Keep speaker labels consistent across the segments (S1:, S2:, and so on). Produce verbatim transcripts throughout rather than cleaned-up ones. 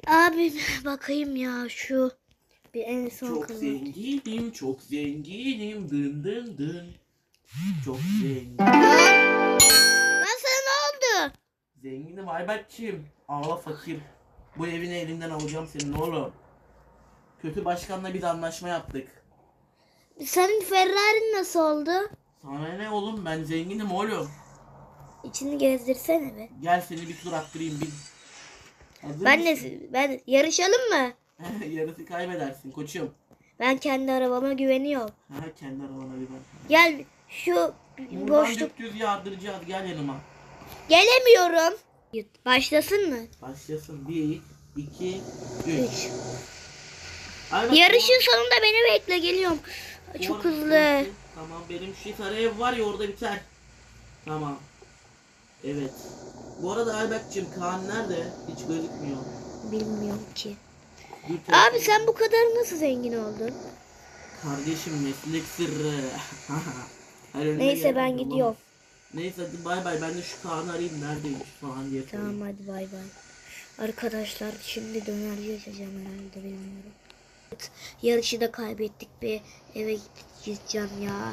S1: Abi bakayım ya şu bir en son
S2: Çok
S1: kızım.
S2: zenginim, çok zenginim, dın dın dın. Çok zengin.
S1: Lan sana ne oldu?
S2: Zenginim Ayberk'ciğim. Ağla fakir. Bu evini elinden alacağım senin oğlum. Kötü başkanla bir anlaşma yaptık.
S1: Senin Ferrari'n nasıl oldu?
S2: Sana ne oğlum, ben zenginim oğlum.
S1: İçini gezdirsene be.
S2: Gel seni bir tur attırayım bin. Hazır
S1: Ben
S2: mısın?
S1: de ben yarışalım mı?
S2: Yarısı kaybedersin koçum.
S1: Ben kendi arabama güveniyorum.
S2: Ha, kendi arabana bir bak.
S1: Gel şu
S2: Buradan
S1: boşluk.
S2: düz yardıracağız, gel yanıma.
S1: Gelemiyorum. Başlasın mı?
S2: Başlasın. Bir, iki, üç.
S1: Üç.
S2: Ayberk,
S1: Yarışın sonunda beni bekle, geliyorum.
S2: bu-
S1: Çok
S2: bu-
S1: hızlı.
S2: Tamam, benim şu sarı ev var ya, orada biter. Tamam. Evet. Bu arada Ayberk'cim, Kaan nerede? Hiç gözükmüyor.
S1: Bilmiyorum ki.
S2: Bir
S1: Abi
S2: telefon-
S1: sen bu kadar nasıl zengin oldun?
S2: Kardeşim, meslek sırrı. Her önüne
S1: Neyse
S2: gelen
S1: ben
S2: yolla.
S1: gidiyorum.
S2: Neyse hadi bay bay, ben de şu Kaan'ı arayayım, neredeymiş falan diye sorayım.
S1: Tamam hadi bay bay. Arkadaşlar şimdi dönerci açacağım herhalde, bilmiyorum. Evet, yarışı da kaybettik be. Eve gideceğim ya.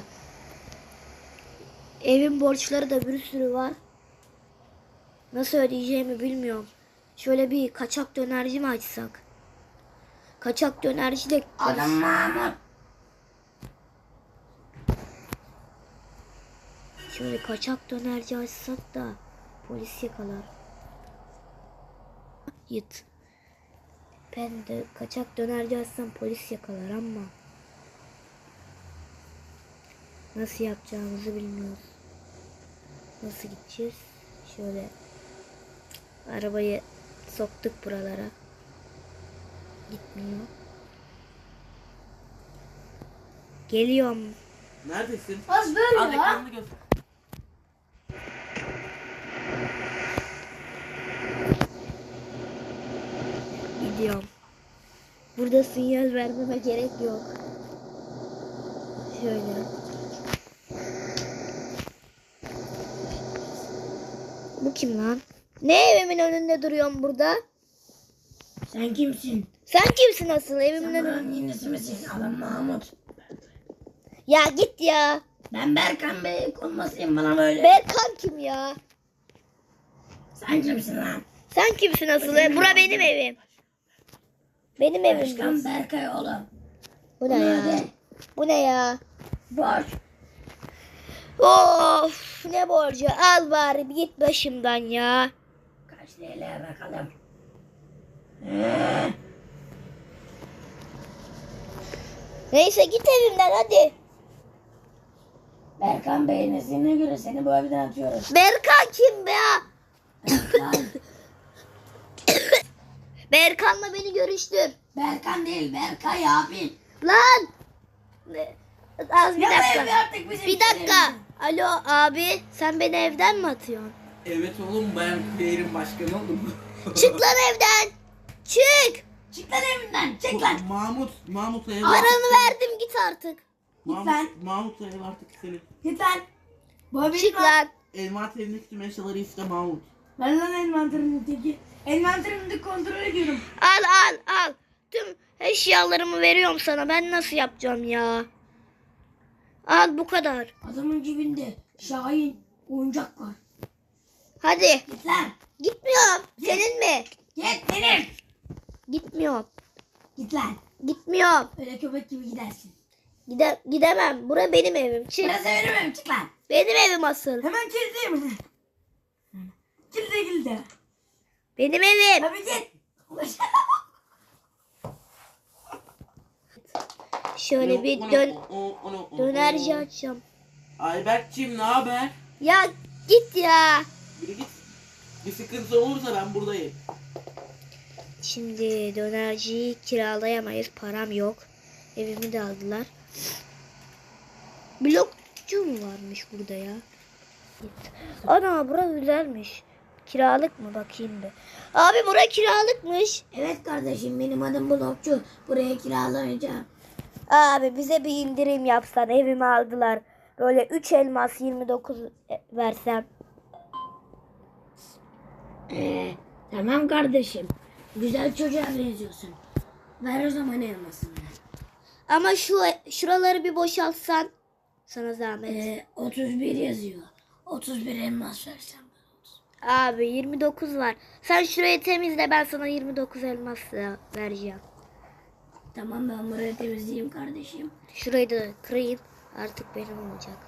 S1: Evin borçları da bir sürü var. Nasıl ödeyeceğimi bilmiyorum. Şöyle bir kaçak dönerci mi açsak? Kaçak dönerci de...
S3: Adam Mahmut.
S1: Şöyle kaçak dönerci açsak da polis yakalar. Yıt. Ben de kaçak dönerci açsam polis yakalar ama nasıl yapacağımızı bilmiyoruz. Nasıl gideceğiz? Şöyle arabayı soktuk buralara. Gitmiyor. Geliyorum.
S2: Neredesin?
S3: Az böyle
S2: Al
S3: ya.
S2: ekranını göster.
S1: Gidiyorum. Burada sinyal vermeme gerek yok. Şöyle. Bu kim lan? Ne evimin önünde duruyorsun burada?
S3: Sen kimsin?
S1: Sen kimsin asıl evimin
S3: Sen
S1: önünde?
S3: buranın yenisi misin? Adam Mahmut.
S1: Ya git ya.
S3: Ben Berkan Bey konmasıyım bana böyle.
S1: Berkan kim ya?
S3: Sen kimsin lan?
S1: Sen kimsin asıl? Bura benim evim. Benim evim.
S3: Başkan Berkay oğlum.
S1: Bu ne ya?
S3: Hadi.
S1: Bu ne ya?
S3: Borç.
S1: Of, ne borcu? Al bari bir git başımdan ya.
S3: Kaç L L bakalım. Ee,
S1: Neyse git evimden hadi.
S3: Berkan Bey'in iznine göre seni bu evden atıyoruz.
S1: Berkan kim be ya?
S3: Lan,
S1: Berkan'la beni görüştür.
S3: Berkan değil Berkay abi.
S1: Lan. Az bir
S3: Ya bu ev
S1: dakika.
S3: artık bizim
S1: Bir dakika. Alo abi, sen beni evden mi atıyorsun?
S2: Evet oğlum, ben şehrin başkanı oldum.
S1: Çık lan evden. Çık.
S3: Çık lan evinden çık lan.
S2: Mahmut, Mahmut'la ev
S1: Paranı verdim, git artık.
S2: Mahmut,
S3: lan.
S2: Mahmut'la ev artık senin.
S3: Git lan. Bu evi
S1: Çık lan.
S2: Envanterindeki tüm eşyaları iste Mahmut.
S3: Ben lan envanterimdeki. Envanterimde kontrol ediyorum.
S1: Al al al. Tüm eşyalarımı veriyorum sana. Ben nasıl yapacağım ya? Al bu kadar.
S3: Adamın cebinde Şahin oyuncak var.
S1: Hadi.
S3: Git lan.
S1: Gitmiyorum. Senin mi?
S3: Git benim.
S1: Gitmiyorum.
S3: Git lan.
S1: Gitmiyorum.
S3: Öyle köpek gibi gidersin.
S1: Gide gidemem. Bura benim evim. Çık.
S3: Burası benim evim çık lan.
S1: Benim evim asıl.
S3: Hemen kilitleyeyim. Kilitle kilitle.
S1: Benim evim.
S3: Abi git.
S1: Şöyle bir
S2: Onu-
S1: dön
S2: onu- onu- onu-
S1: dönerci
S2: onu-
S1: açacağım.
S2: Ayberk'cim ne haber?
S1: Ya git ya.
S2: Yürü git. Bir sıkıntı olursa ben buradayım.
S1: Şimdi dönerciyi kiralayamayız. Param yok. Evimi de aldılar. Blokçu mu varmış burada ya? Ana bura güzelmiş. Kiralık mı, bakayım bir. Abi bura kiralıkmış.
S3: Evet kardeşim benim adım Blokçu. Buraya kiralayacağım.
S1: Abi bize bir indirim yapsan, evimi aldılar. Böyle üç elmas yirmi dokuz versem.
S3: Ee, tamam kardeşim. Güzel çocuğa benziyorsun. Ver o zaman elmasını.
S1: Ama şu şuraları bir boşaltsan sana zahmet.
S3: Ee, otuz bir yazıyor. otuz bir elmas versen.
S1: Abi yirmi dokuz var. Sen şurayı temizle, ben sana yirmi dokuz elmas da vereceğim.
S3: Tamam, ben burayı temizleyeyim kardeşim.
S1: Şurayı da kırayım. Artık benim olacak.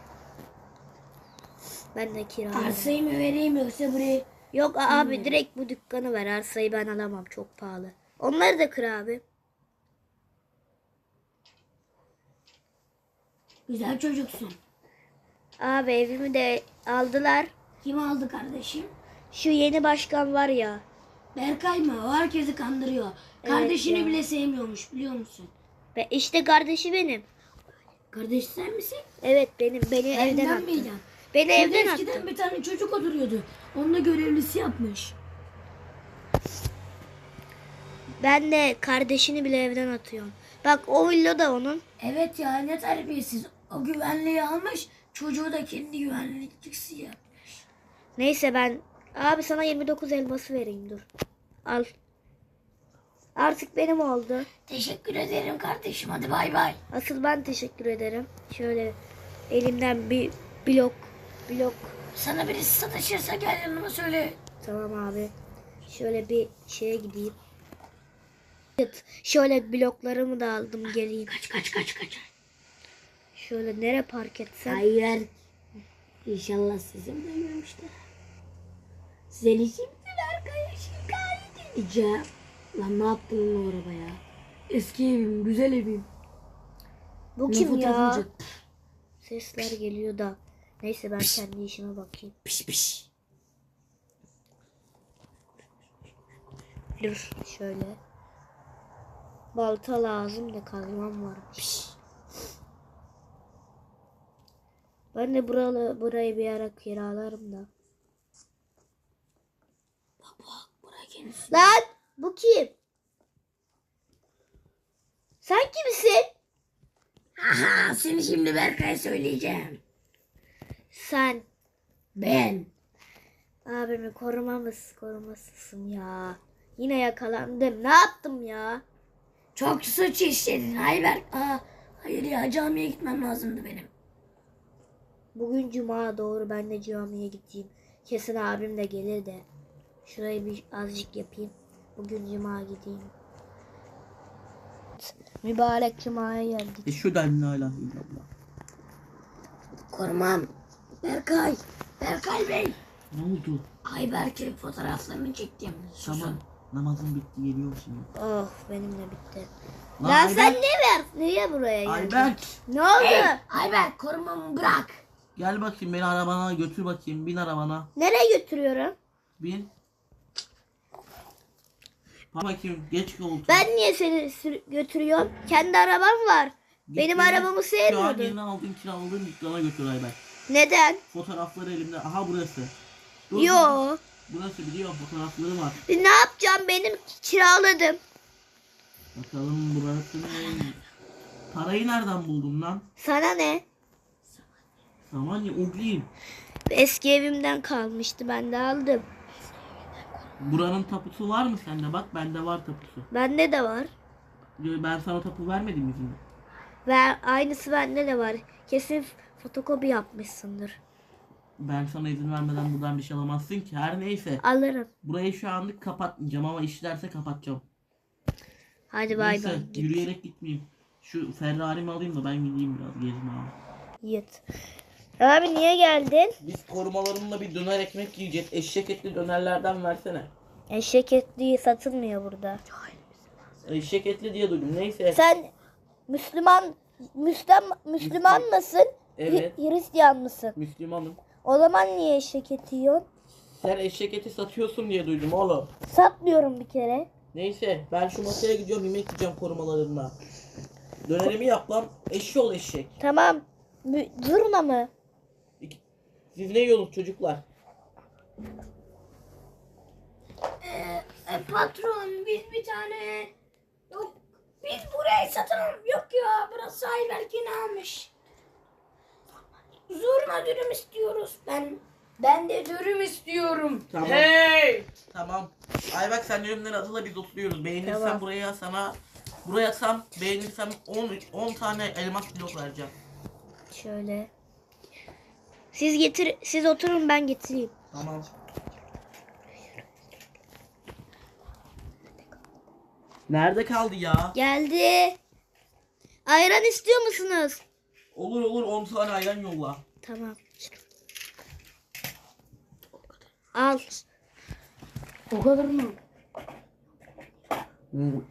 S1: Ben de kiralarım.
S3: Arsayı mı vereyim yoksa burayı?
S1: Yok abi, direkt bu dükkanı ver. Arsayı ben alamam, çok pahalı. Onları da kır abi.
S3: Güzel çocuksun.
S1: Abi evimi de aldılar.
S3: Kim aldı kardeşim?
S1: Şu yeni başkan var ya.
S3: Berkay mı? O herkesi kandırıyor. Kardeşini
S1: ya.
S3: bile sevmiyormuş, biliyor musun?
S1: Ve işte kardeşi benim.
S3: Kardeş sen misin?
S1: Evet benim. Beni evden
S3: Evden
S1: attı.
S3: miydin?
S1: Beni
S3: Evde
S1: evden
S3: eskiden
S1: attı.
S3: bir tane çocuk oturuyordu. Onunla görevlisi yapmış.
S1: Ben de kardeşini bile evden atıyorum. Bak o villa da onun.
S3: Evet ya, ne terbiyesiz. O güvenliği almış, çocuğu da kendi güvenlikçisi yapmış.
S1: Neyse ben abi sana yirmi dokuz elması vereyim, dur. Al. Artık benim oldu.
S3: Teşekkür ederim kardeşim, hadi bay bay.
S1: Asıl ben teşekkür ederim. Şöyle elimden bir blok blok
S3: Sana birisi sataşırsa gel yanıma söyle.
S1: tamam abi. Şöyle bir şeye gideyim. Evet, şöyle bloklarımı da aldım, geleyim.
S3: Kaç kaç kaç kaç.
S1: Şöyle nereye park etsem?
S3: Hayır. İnşallah sizin duymamışlar. Seni şimdi Berkay'a şikayet edeceğim. Lan ne yaptın o arabaya? Eski evim, güzel evim.
S1: Bu
S3: Ne
S1: kim ya?
S3: fotoğrafı?
S1: Sesler geliyor da. Neyse ben kendi işime bakayım.
S3: Piş piş.
S1: Dur şöyle. Balta lazım da kazmam varmış.
S3: Piş.
S1: Ben de buralı, burayı bir ara kiralarım da.
S3: Bak bak, buraya kendisi.
S1: Lan bu kim? Sen kimsin?
S3: Aha, seni şimdi Berkay'a söyleyeceğim.
S1: Sen
S3: Ben.
S1: abimi korumamız korumasısın ya. Yine yakalandım. Ne yaptım ya?
S3: Çok suç işledin Ayberk. Aa, hayır ya, camiye gitmem lazımdı benim.
S1: Bugün cuma, doğru, ben de camiye gideyim. Kesin abim de gelir de. Şurayı bir azıcık yapayım. Bugün cuma gideyim. Mübarek cumaya geldik.
S2: E şuradan la ilahe illallah.
S3: Korumam. Berkay. Berkay Bey.
S2: Ne oldu?
S3: Ayberk'in fotoğraflarını çektim. Susun.
S2: Tamam. Namazım bitti, geliyorum şimdi.
S1: Oh benim de bitti.
S2: Lan
S1: Lan
S2: Ayberk-
S1: sen ne ver? Niye buraya geldin?
S2: Ayberk.
S1: Ne oldu?
S3: Hey, Ayberk, korumamı bırak.
S2: Gel bakayım, beni arabana götür bakayım. Bin arabana.
S1: Nereye götürüyorum?
S2: Bin. Bak bakayım, geç koltuğa.
S1: Ben niye seni sür- götürüyorum? Kendi arabam var.
S2: Git
S1: Benim
S2: beni
S1: arabamı
S2: Şu an yeni
S1: sevmiyordun.
S2: aldığın, kiraladığın dükkana götür Ayberk.
S1: Neden?
S2: Fotoğrafları elimde. Aha burası. Dur, dur.
S1: Yo.
S2: Burası, biliyorum, fotoğrafları var.
S1: Ne yapacağım, benim kiraladım.
S2: Bakalım burası ne? Parayı nereden buldun lan?
S1: Sana ne?
S2: Aman ya, ugliyim.
S1: Eski evimden kalmıştı, ben de aldım.
S2: Buranın tapusu var mı sende? Bak bende var tapusu.
S1: Bende de var.
S2: Ben sana tapu vermedim mi şimdi?
S1: Ve aynısı bende de var. Kesin fotokopi yapmışsındır.
S2: Ben sana izin vermeden buradan bir şey alamazsın ki. Her neyse.
S1: Alırım.
S2: Burayı şu anlık kapatmayacağım ama işlerse kapatacağım.
S1: Hadi bay
S2: Neyse,
S1: bay. Git.
S2: yürüyerek gitmeyeyim. Şu Ferrari'mi alayım da ben gideyim biraz gezme abi.
S1: Git. Abi niye geldin?
S2: Biz korumalarımla bir döner ekmek yiyeceğiz. Eşek etli dönerlerden versene.
S1: Eşek etliği satılmıyor burada.
S2: Eşek etli diye duydum. Neyse.
S1: Sen Müslüman Müslüman Müslüman mısın?
S2: Evet.
S1: Hi- Hristiyan mısın?
S2: Müslümanım.
S1: O zaman niye eşek eti yiyorsun?
S2: Sen eşek eti satıyorsun diye duydum oğlum.
S1: Satmıyorum bir kere.
S2: Neyse, ben şu masaya gidiyorum, yemek yiyeceğim korumalarımla. Dönerimi yap lan. Eşşoğlu eşek.
S1: Tamam. Mü- Zurna mı?
S2: İki- Siz ne yiyorsunuz çocuklar?
S3: Ee, e, patron, biz bir tane... Yok, biz burayı satalım. Yok ya, burası Ayberk'in almış. Zurna dürüm istiyoruz. Ben Ben de dürüm istiyorum.
S2: Tamam.
S3: Hey!
S2: Tamam. Ayberk sen ürünleri hazırla, biz oturuyoruz. Beğenirsen
S1: Tamam.
S2: buraya sana buraya atsam, beğenirsem on on tane elmas blok vereceğim.
S1: Şöyle. Siz getir, siz oturun ben getireyim.
S2: Tamam. Nerede kaldı ya?
S1: Geldi. Ayran istiyor musunuz?
S2: Olur olur, on tane ayran yolla.
S1: Tamam. Al.
S3: O kadar mı?
S2: Hmm.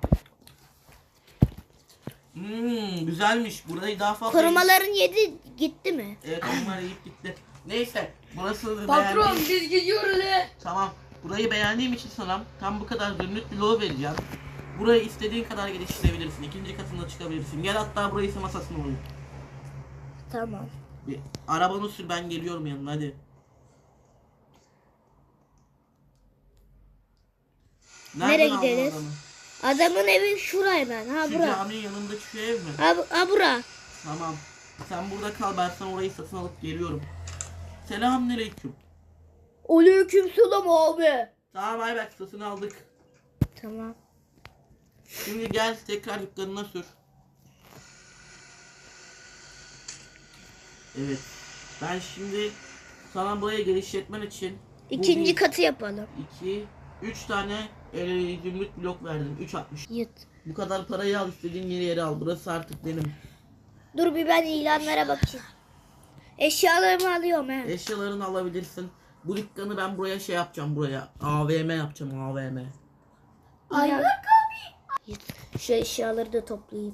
S2: Hmm, güzelmiş. Burayı daha fazla...
S1: Korumaların yedi gitti mi?
S2: Evet, onlar yiyip gitti. Neyse, burası
S3: Patron
S2: beğendiğim...
S3: biz gidiyoruz he.
S2: Tamam, burayı beğendiğim için sana tam bu kadar zümrüt bloğu vereceğim. Burayı istediğin kadar geliştirebilirsin. İkinci katında çıkabilirsin. Gel hatta burayı ise masasına koy.
S1: Tamam.
S2: Bir arabanı sür, ben geliyorum yanına, hadi.
S1: Nereye
S2: aldın
S1: gideriz?
S2: adamı?
S1: Adamın evi şuraya ben. Ha
S2: Şu
S1: bura.
S2: caminin yanındaki şu ev mi?
S1: Ha, bu- ha bura.
S2: Tamam. Sen burada kal, ben sana orayı satın alıp geliyorum. Selamünaleyküm.
S1: Aleykümselam abi.
S2: Tamam Ayberk, satın aldık.
S1: Tamam.
S2: Şimdi gel tekrar dükkanına sür. Evet. Ben şimdi sana buraya genişletmen için
S1: İkinci
S2: bir,
S1: katı yapalım.
S2: iki, üç tane e, zümrüt blok verdim. Üç altmış.
S1: Yıt.
S2: Bu kadar parayı al, istediğin yeri yere al. Burası artık benim.
S1: Dur bir ben ilanlara bakayım. Eşyalarımı alıyorum he.
S2: Eşyalarını alabilirsin. Bu dükkanı ben buraya şey yapacağım, buraya. A V M yapacağım, A V M.
S1: Ayberk abi. Yıt. Şu eşyaları da toplayayım.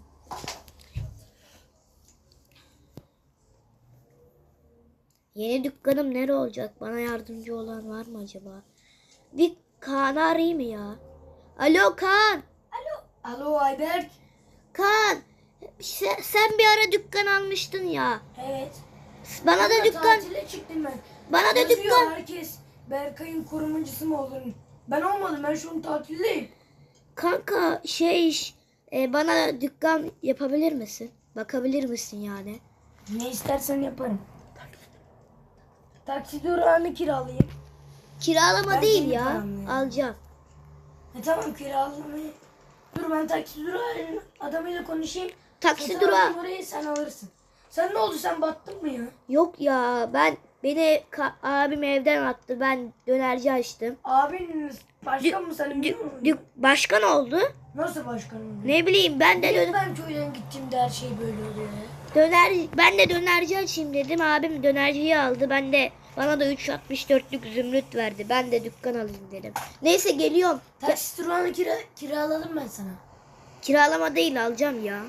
S1: Yeni dükkanım nere olacak? Bana yardımcı olan var mı acaba? Bir Kaan'ı arayayım mı ya? Alo Kaan.
S3: Alo Ayberk.
S1: Kaan. Sen, sen bir ara dükkan almıştın ya.
S3: Evet.
S1: Bana da
S3: Burada
S1: dükkan.
S3: tatile çıktım ben.
S1: Bana da
S3: Yazıyor
S1: dükkan.
S3: herkes Berkay'ın korumacısı mı olur? Ben olmadım, ben şu an tatildeyim.
S1: Kanka şey iş. e, bana dükkan yapabilir misin? Bakabilir misin yani?
S3: Ne istersen yaparım. Taksi durağını kiralayayım.
S1: Kiralama
S3: Ben
S1: değil
S3: kendi
S1: ya.
S3: paramla yani.
S1: Alacağım.
S3: E tamam kiralamayı. Dur ben taksi durağının adamıyla konuşayım.
S1: Taksi
S3: Satın
S1: durağı.
S3: alayım orayı, sen alırsın. Sen ne oldu, sen battın mı ya?
S1: Yok ya ben beni ka- abim evden attı. Ben dönerci açtım.
S3: Abin başkan mı senin
S1: Dü-
S3: biliyor musun?
S1: dü- başkan oldu.
S3: Nasıl başkan oldu?
S1: Ne bileyim ben de
S3: Niye
S1: dö-
S3: ben köyden gittiğimde her şey böyle oluyor ya?
S1: döner ben de dönerci açayım dedim. Abim dönerciyi aldı. Ben de bana da üç altmış dörtlük zümrüt verdi. Ben de dükkan alayım dedim. Neyse geliyorum. Ya-
S3: Taksi durağını kira kiraladım ben sana.
S1: kiralama değil alacağım ya.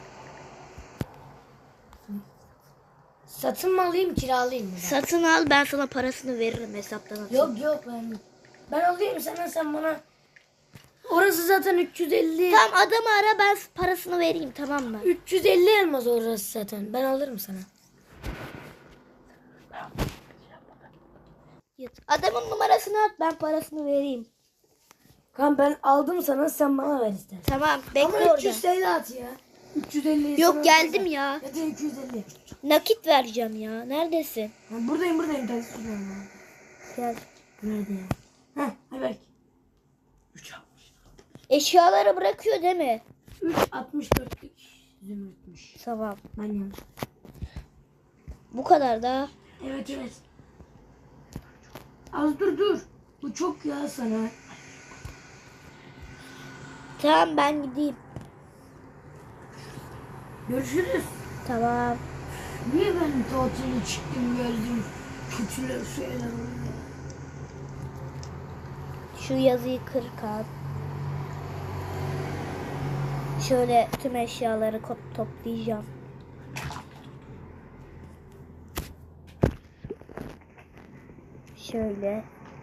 S3: Satın mı alayım, kiralayayım mı?
S1: Satın al ben sana parasını veririm hesaptan atayım.
S3: Yok yok ben ben alayım sana, sen bana. Orası zaten üç yüz elli.
S1: Tamam adamı ara ben parasını vereyim tamam mı?
S3: üç yüz elli elmas orası zaten. Ben alırım sana.
S1: Yat. Adamın numarasını at ben parasını vereyim.
S3: Kan ben aldım sana, sen bana ver istersen.
S1: Tamam bekle
S3: Ama
S1: orada.
S3: üç yüz elli at ya. üç yüz elli.
S1: Yok geldim ya.
S3: Ya da iki yüz elli.
S1: Nakit vereceğim ya. Neredesin?
S3: Ha, buradayım buradayım taksi durağında.
S1: Gel.
S3: Nerede ya? Heh Ayberk.
S2: üç altmış.
S1: Eşyaları bırakıyor değil mi?
S3: üç altmış dörtlük zümrütmüş.
S1: Tamam.
S3: Ben yanlış.
S1: Bu kadar da.
S3: Evet evet. Az dur dur. Bu çok ya sana.
S1: Tamam ben gideyim.
S3: Görüşürüz.
S1: Tamam.
S3: Niye ben tatile çıktım geldim? Kötüler şeyler oluyor.
S1: Şu yazıyı kır Kaan. Şöyle tüm eşyaları ko- toplayacağım. Şöyle.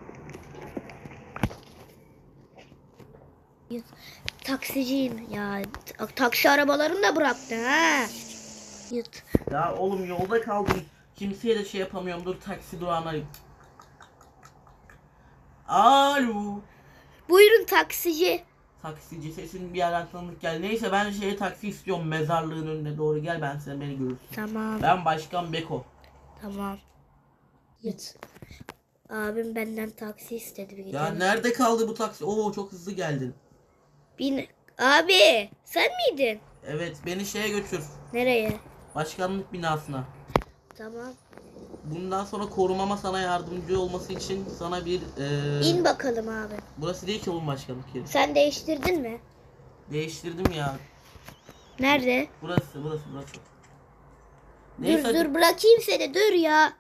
S1: Taksiciyim ya. Ta- Taksi arabalarını da bıraktı ha. Yut.
S2: Ya oğlum yolda kaldım. Kimseye de şey yapamıyorum. Dur taksi durağına arayayım. Alo.
S1: Buyurun taksici.
S2: Taksici, sesin bir yerden tanıdık gel. Neyse ben şeye taksi istiyorum, mezarlığın önüne doğru gel, ben sen beni görürsün.
S1: Tamam.
S2: Ben Başkan Beko.
S1: Tamam. Yut. Abim benden taksi istedi bir
S2: Ya
S1: gidelim.
S2: nerede kaldı bu taksi? Oo çok hızlı geldin.
S1: Bin... Abi sen miydin?
S2: Evet beni şeye götür.
S1: Nereye?
S2: Başkanlık binasına.
S1: Tamam.
S2: Bundan sonra korumama sana yardımcı olması için sana bir... eee,
S1: İn bakalım abi.
S2: Burası değil ki oğlum başkanlık yeri.
S1: Sen değiştirdin mi?
S2: Değiştirdim ya.
S1: Nerede?
S2: Burası burası burası.
S1: Dur
S2: Neyse hadi.
S1: dur bırakayım seni dur ya.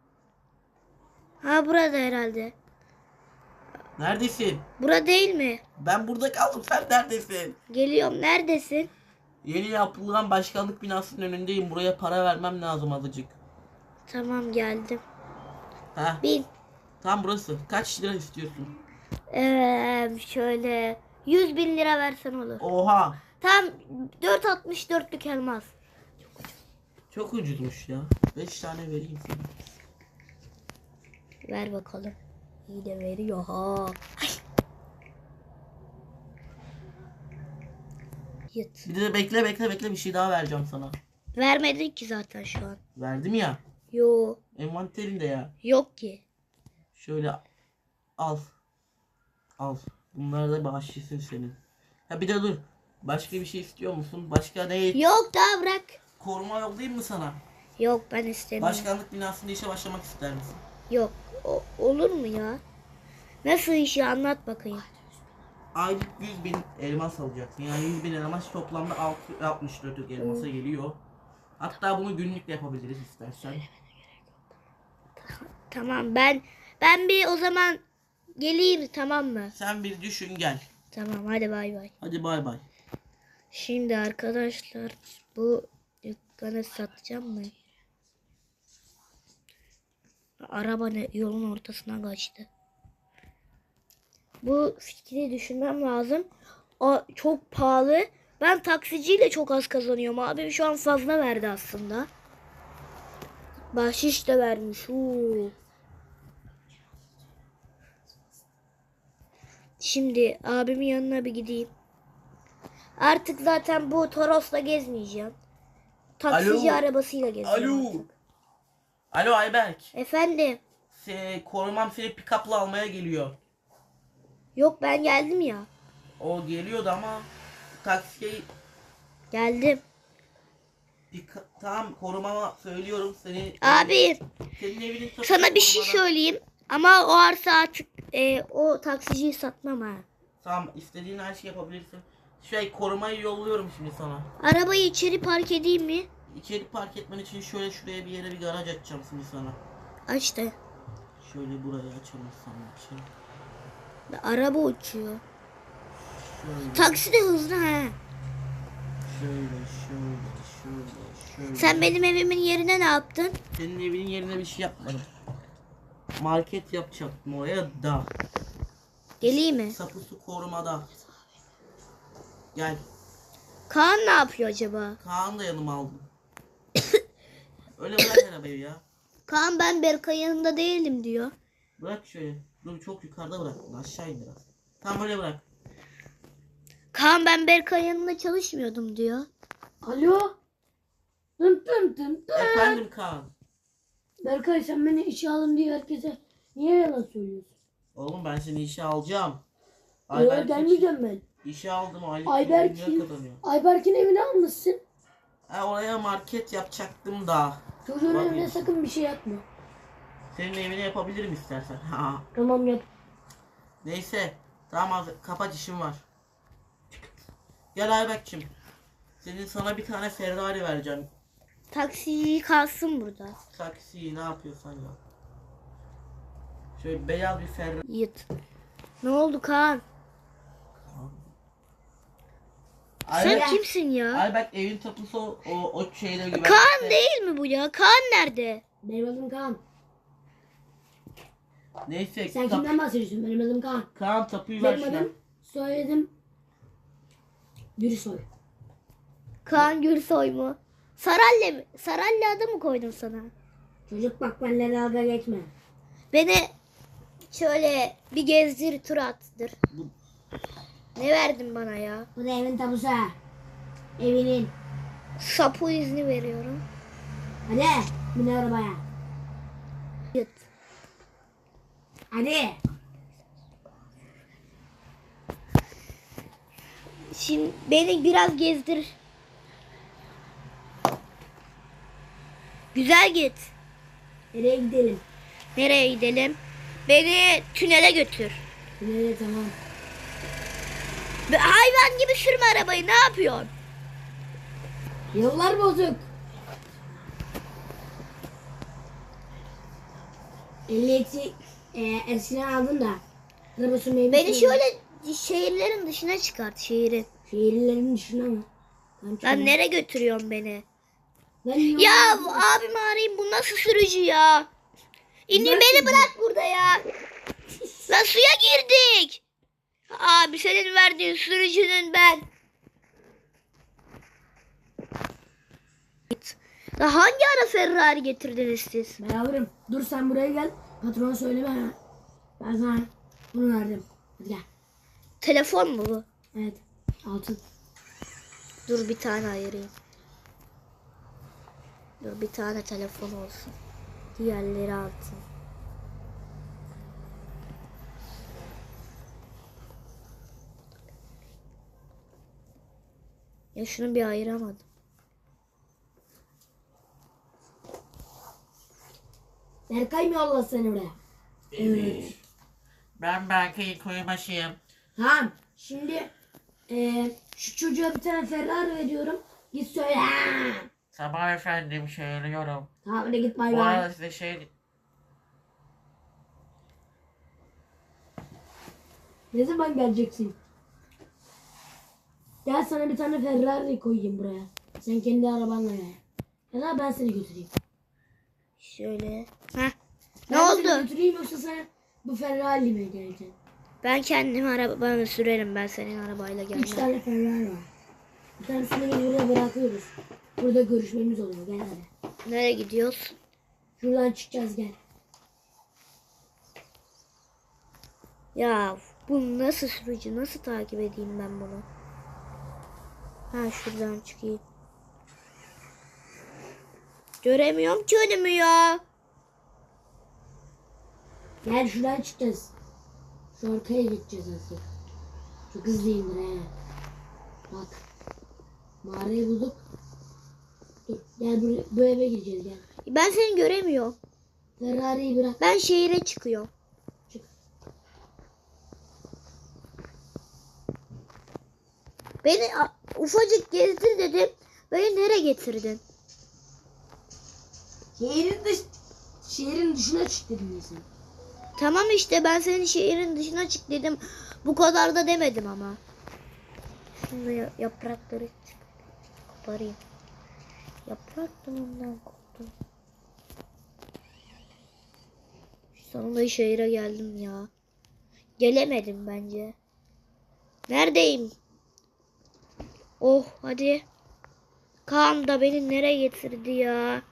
S1: Ha burada herhalde.
S2: Neredesin?
S1: Bura değil mi?
S2: Ben burada kaldım, sen neredesin?
S1: Geliyorum. Neredesin?
S2: Yeni yapılan başkanlık binasının önündeyim. Buraya para vermem lazım azıcık.
S1: Tamam geldim.
S2: Heh,
S1: Bin.
S2: tam burası. Kaç lira istiyorsun?
S1: Ee, şöyle yüz bin lira versen olur.
S2: Oha.
S1: Tam dört altmış dörtlük elmas.
S2: Çok ucuzmuş ya. beş tane vereyim sana.
S1: Ver bakalım. İyi de veriyor ha. Ay. Yut.
S2: Bir de bekle bekle bekle bir şey daha vereceğim sana.
S1: Vermedin ki zaten şu an.
S2: Verdim ya.
S1: Yo.
S2: Envanterinde ya.
S1: Yok ki.
S2: Şöyle al. Al. Bunlar da bahşişin senin. Ha bir de dur. Başka bir şey istiyor musun? Başka ne?
S1: Yok daha bırak.
S2: Koruma yollayayım mı sana?
S1: Yok ben istemiyorum.
S2: Başkanlık binasında işe başlamak ister misin?
S1: Yok. O- olur mu ya? Nasıl işi anlat bakayım.
S2: Aylık yüz bin elmas alacaksın. Yani yüz bin elmas toplamda altı altmış dört elmasa geliyor. Hatta bunu günlük de yapabiliriz istersen.
S1: Tamam ben ben bir o zaman geleyim tamam mı?
S2: Sen bir düşün gel.
S1: Tamam hadi bay bay.
S2: Hadi bay bay.
S1: Şimdi arkadaşlar bu dükkanı satacağım mı? Araba ne yolun ortasına kaçtı. Bu fikri düşünmem lazım. O çok pahalı. Ben taksiciyle çok az kazanıyorum. Abi şu an fazla verdi aslında. Bahşiş de vermiş. Huu. Şimdi abimin yanına bir gideyim. Artık zaten bu Toros'la gezmeyeceğim. Taksici
S2: Alo.
S1: arabasıyla gezeceğim
S2: Alo.
S1: artık.
S2: Alo Ayberk.
S1: Efendim.
S2: Se korumam seni pick-up'la almaya geliyor.
S1: Yok ben geldim ya.
S2: O geliyordu ama taksiye
S1: Geldim.
S2: pick- tamam korumama söylüyorum seni.
S1: Abi
S2: Senin evinin tapulu
S1: sana bir şey
S2: korumada-
S1: söyleyeyim. Ama o arsa artık e, o taksiciyi satmam ha.
S2: Tamam istediğin her şeyi yapabilirsin. Şey korumayı yolluyorum şimdi sana.
S1: Arabayı içeri park edeyim mi?
S2: İçeri park etmen için şöyle şuraya bir yere bir garaj açacağım şimdi sana.
S1: Aç da.
S2: Şöyle burayı açalım sana için.
S1: Araba uçuyor.
S2: Şöyle,
S1: Taksi de hızlı ha.
S2: şöyle, şöyle, şöyle, şöyle.
S1: Sen benim evimin yerine ne yaptın?
S2: Senin evinin yerine bir şey yapmadım. Market yapacaktım oraya da.
S1: Geleyim mi?
S2: Sapusu korumada. Gel.
S1: Kaan ne yapıyor acaba?
S2: Kaan da yanıma aldım. Öyle bırak arabayı ya.
S1: Kaan ben Berkay yanında değilim diyor.
S2: Bırak şöyle. Dur çok yukarıda bıraktın. Aşağı in biraz. Tam öyle bırak.
S1: Kaan ben Berkay yanında çalışmıyordum diyor.
S3: Alo. Dım dım dım dım.
S2: Efendim Kaan.
S3: Berkay sen beni işe alın diye herkese niye yalan söylüyorsun?
S2: Oğlum ben seni işe alacağım.
S3: Yok
S2: Ayberk
S3: gelmeyeceğim ben.
S2: işe aldım o aylık
S3: Ayberk'in
S2: yirmi kazanıyor.
S3: Ayberk'in evini almışsın.
S2: Ha, oraya market yapacaktım da.
S3: Çocuğun
S2: Bak
S3: evine
S2: ya.
S3: sakın bir şey yapma.
S2: Senin evine yapabilirim istersen. Ha.
S3: Tamam yap.
S2: Neyse. Tamam az kapat işim var. Gel Ayberk'cim. Senin sana bir tane Ferrari vereceğim.
S1: Taksici kalsın burada.
S2: Taksi ne yapıyorsan ya. Şöyle beyaz bir Ferrari.
S1: Yıt. Ne oldu Kaan? Sen
S2: Ayberk,
S1: kimsin ya?
S2: Ayberk evin tapusu o, o, o şeyde güvenlikte.
S1: Kaan değil mi bu ya? Kaan nerede?
S3: Benim adım Kaan.
S2: Neyse.
S3: Sen
S2: tap-
S3: kimden bahsediyorsun? Benim adım Kaan.
S2: Kaan tapuyu ver
S3: Benim
S2: şuna.
S3: adım soyadım Gürsoy.
S1: Kaan Gürsoy mu? Saralle mi? Saralle adı mı koydun sana?
S3: Çocuk bak benimle dalga geçme.
S1: Beni şöyle bir gezdir tur attır.
S2: Bu-
S1: Ne verdin bana ya?
S3: Bu da evin tapusu ha. Evinin.
S1: Sapu izni veriyorum.
S3: Hadi bin arabaya.
S1: Yıt.
S3: Hadi.
S1: Şimdi beni biraz gezdir. Güzel git.
S3: Nereye gidelim?
S1: Nereye gidelim? Beni tünele götür.
S3: Nereye tamam.
S1: Ve hayvan gibi sürme arabayı. Ne yapıyorsun?
S3: Yollar bozuk. Ehliyeti e, eskiden aldım da. Araba sürmeyi
S1: Beni
S3: bilmiyorum.
S1: şöyle şehirlerin dışına çıkart. Şehrin.
S3: Şehirlerin dışına mı? Ben
S1: Lan
S3: çıkamam.
S1: nereye götürüyorsun beni?
S3: Ben yol-
S1: Ya abimi arayayım. Bu nasıl sürücü ya? İndir
S3: Güzel
S1: beni
S3: sürücü.
S1: bırak burada ya. Lan suya girdik. Abi senin verdiğin sürücünün ben. Ya hangi ara Ferrari getirdiniz siz?
S3: Ben alırım. Dur sen buraya gel. Patrona söyleme ha. Ben sana bunu verdim. Hadi gel.
S1: Telefon mu bu?
S3: Evet. Altın.
S1: Dur bir tane ayırayım. Dur bir tane telefon olsun. Diğerleri altın. Ya şunu bir ayıramadım.
S3: Berkay mı yolladı seni oraya?
S2: Evet. Ben Berkay'ın koyubaşıyım.
S3: Tamam. Şimdi e, şu çocuğa bir tane Ferrari veriyorum. Git söyle.
S2: Sabah efendim söylüyorum.
S3: Tamam hadi git bay
S2: Bu
S3: bay.
S2: arada size şey...
S3: Ne zaman geleceksin? Gel sana bir tane Ferrari koyayım buraya. Sen kendi arabanla gel. Ya da ben seni götüreyim.
S1: Şöyle. Heh. Ne
S3: Ben seni
S1: oldu?
S3: götüreyim yoksa sen bu Ferrari mi geleceksin?
S1: Ben kendim arabamı sürerim. Ben senin arabayla
S3: Üç
S1: gelmem.
S3: tane Ferrari var. Bir tanesini biz buraya bırakıyoruz. Burada görüşmemiz oluyor. Gel hadi.
S1: Nereye gidiyoruz?
S3: Şuradan çıkacağız gel.
S1: Ya bu nasıl sürücü? Nasıl takip edeyim ben bunu? Ha şuradan çıkayım. Göremiyorum ki önümü ya.
S3: Gel şuradan çıkacağız. Şu arkaya gideceğiz nasıl? Çok hızlıyımdır he. Bak. Mağarayı bulduk. Dur gel buraya, bu eve gireceğiz gel.
S1: Ben seni göremiyorum.
S3: Ferrari'yi bırak.
S1: Ben şehire çıkıyorum.
S3: Çık.
S1: Beni a- ufacık gezdir dedim. Beni nereye getirdin?
S3: Şehrin dış şehrin dışına çık dedim ya sen.
S1: Tamam işte ben senin şehrin dışına çık dedim. Bu kadar da demedim ama. Şimdi ya- yaprakları koparayım. Yaprak dalından koptu. Sonunda şehire geldim ya. Gelemedim bence. Neredeyim? Oh hadi. Kaan da beni nereye getirdi ya?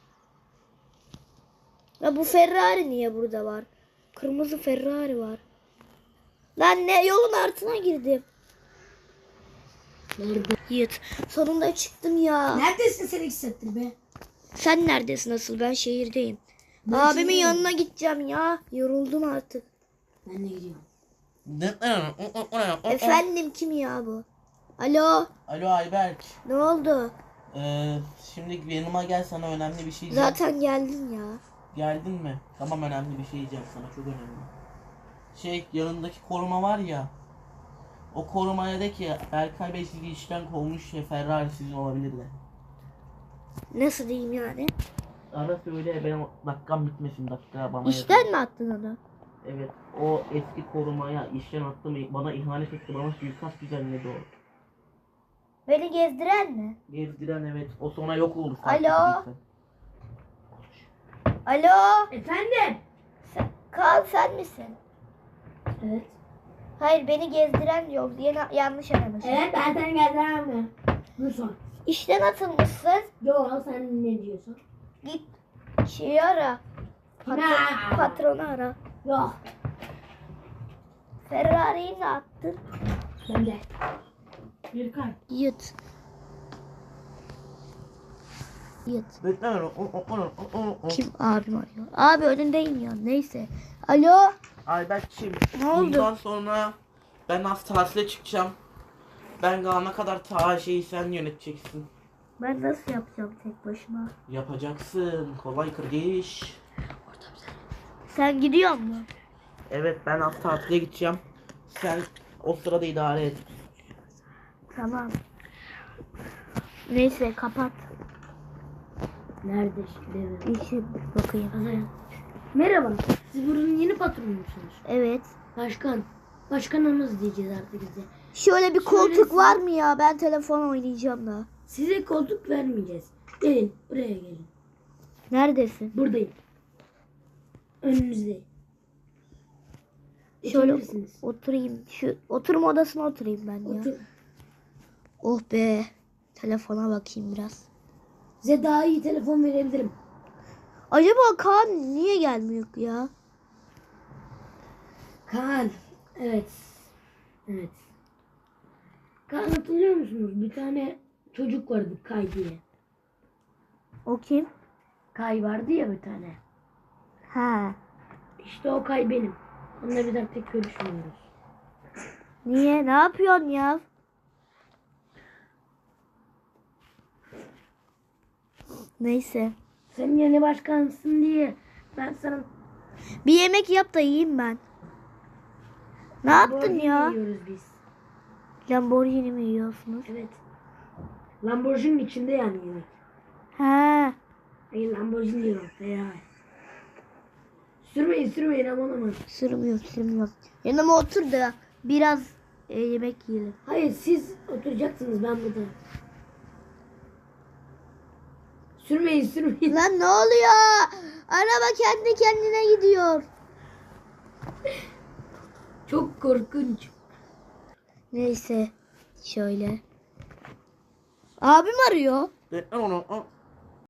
S1: Ya bu Ferrari niye burada var? Kırmızı Ferrari var. Lan ne yolun altına girdim.
S3: Nerede?
S1: Yiğit. Sonunda çıktım ya.
S3: Neredesin sen iki saattir be?
S1: Sen neredesin asıl? Ben şehirdeyim.
S3: Ben
S1: Abimin
S3: şehirdeyim.
S1: yanına gideceğim ya. Yoruldum artık.
S3: Ben de gidiyorum.
S1: Efendim kim ya bu? Alo.
S2: Alo Ayberk.
S1: Ne oldu?
S2: Ee, şimdi yanıma gel, sana önemli bir şey diyeceğim.
S1: Zaten geldin ya.
S2: Geldin mi? Tamam, önemli bir şey diyeceğim sana, çok önemli. Şey, yanındaki koruma var ya. O korumaya de ki Berkay Bey sizi işten kovmuş ya, Ferrari sizin olabilir de.
S1: Nasıl diyeyim yani?
S2: Ara söyle, benim dakikam bitmesin, dakika bana
S1: İşten
S2: yazın.
S1: mi attın onu?
S2: Evet, o eski korumaya işten attı mı, bana ihanet etti, bana suikast düzenledi o.
S1: Beni gezdiren mi?
S2: Gezdiren, evet, o sonra yok oldu.
S1: Alo? Alo.
S3: Efendim?
S1: Sen, Kaan sen misin?
S3: Evet.
S1: Hayır beni gezdiren yok diye na- yanlış aramış.
S3: Evet ben seni geldiremem. Dur son.
S1: İşten atılmışsın.
S3: Yo sen ne diyorsun?
S1: Git şeyi ara. Patron,
S3: Ne?
S1: patronu ara.
S3: Yok.
S1: Ferrari'yi ne attın?
S3: Ben de. Bir kay.
S1: Yut. Yat.
S2: Kim?
S1: Kim? Abim arıyor. Abi önündeyim ya. Neyse. Alo.
S2: Ayberk'cim.
S1: Ne oldu?
S2: Bundan sonra ben az tatile çıkacağım. Ben kalana kadar ta şeyi sen yöneteceksin.
S1: Ben nasıl yapacağım tek başıma?
S2: Yapacaksın. Kolay kırgış.
S1: Sen gidiyor musun?
S2: Evet ben az tatile gideceğim. Sen o sırada idare et.
S1: Tamam. Neyse kapat.
S3: Nerede şimdi?
S1: İşe bakayım.
S3: Azayın. Merhaba. Siz buranın yeni patronu musunuz?
S1: Evet.
S3: Başkan. Başkanımız diyeceğiz artık bize.
S1: Şöyle bir koltuk
S3: Söylesin.
S1: var mı ya? Ben telefon oynayacağım da.
S3: Size koltuk vermeyeceğiz. Gelin buraya gelin.
S1: Neredesin?
S3: Buradayım. Önünüzdeyim.
S1: Şöyle
S3: Oturabilirsiniz.
S1: oturayım. Şu oturma odasına oturayım ben ya.
S3: Otur.
S1: Oh be. Telefona bakayım biraz.
S3: Size daha iyi telefon verebilirim.
S1: Acaba Kaan niye gelmiyor ya?
S3: Kaan. Evet. Evet. Kaan hatırlıyor musunuz? Bir tane çocuk vardı Kay diye.
S1: O kim?
S3: Kay vardı ya bir tane.
S1: Ha.
S3: İşte o Kay benim. Onunla bir daha tek görüşmüyoruz.
S1: Niye? Ne yapıyorsun ya? Neyse.
S3: Sen yeni başkansın diye ben sana
S1: Bir yemek yap da yiyeyim ben. Ne yaptın
S3: Lamborghini
S1: ya?
S3: yiyoruz biz.
S1: Lamborghini mi yiyorsunuz?
S3: Evet. Lamborghini'nin içinde yani yemek.
S1: Ha.
S3: Hayır Lamborghini diyor ya. Sürmeyin sürmeyin aman aman.
S1: Sürmüyorum sürmüyorum. Yanıma otur da biraz e, yemek yiyelim.
S3: Hayır siz oturacaksınız ben burada. Sürmeyin sürmeyin.
S1: Lan ne oluyor? Araba kendi kendine gidiyor.
S3: Çok korkunç.
S1: Neyse. Şöyle. Abim arıyor.
S2: Ben onu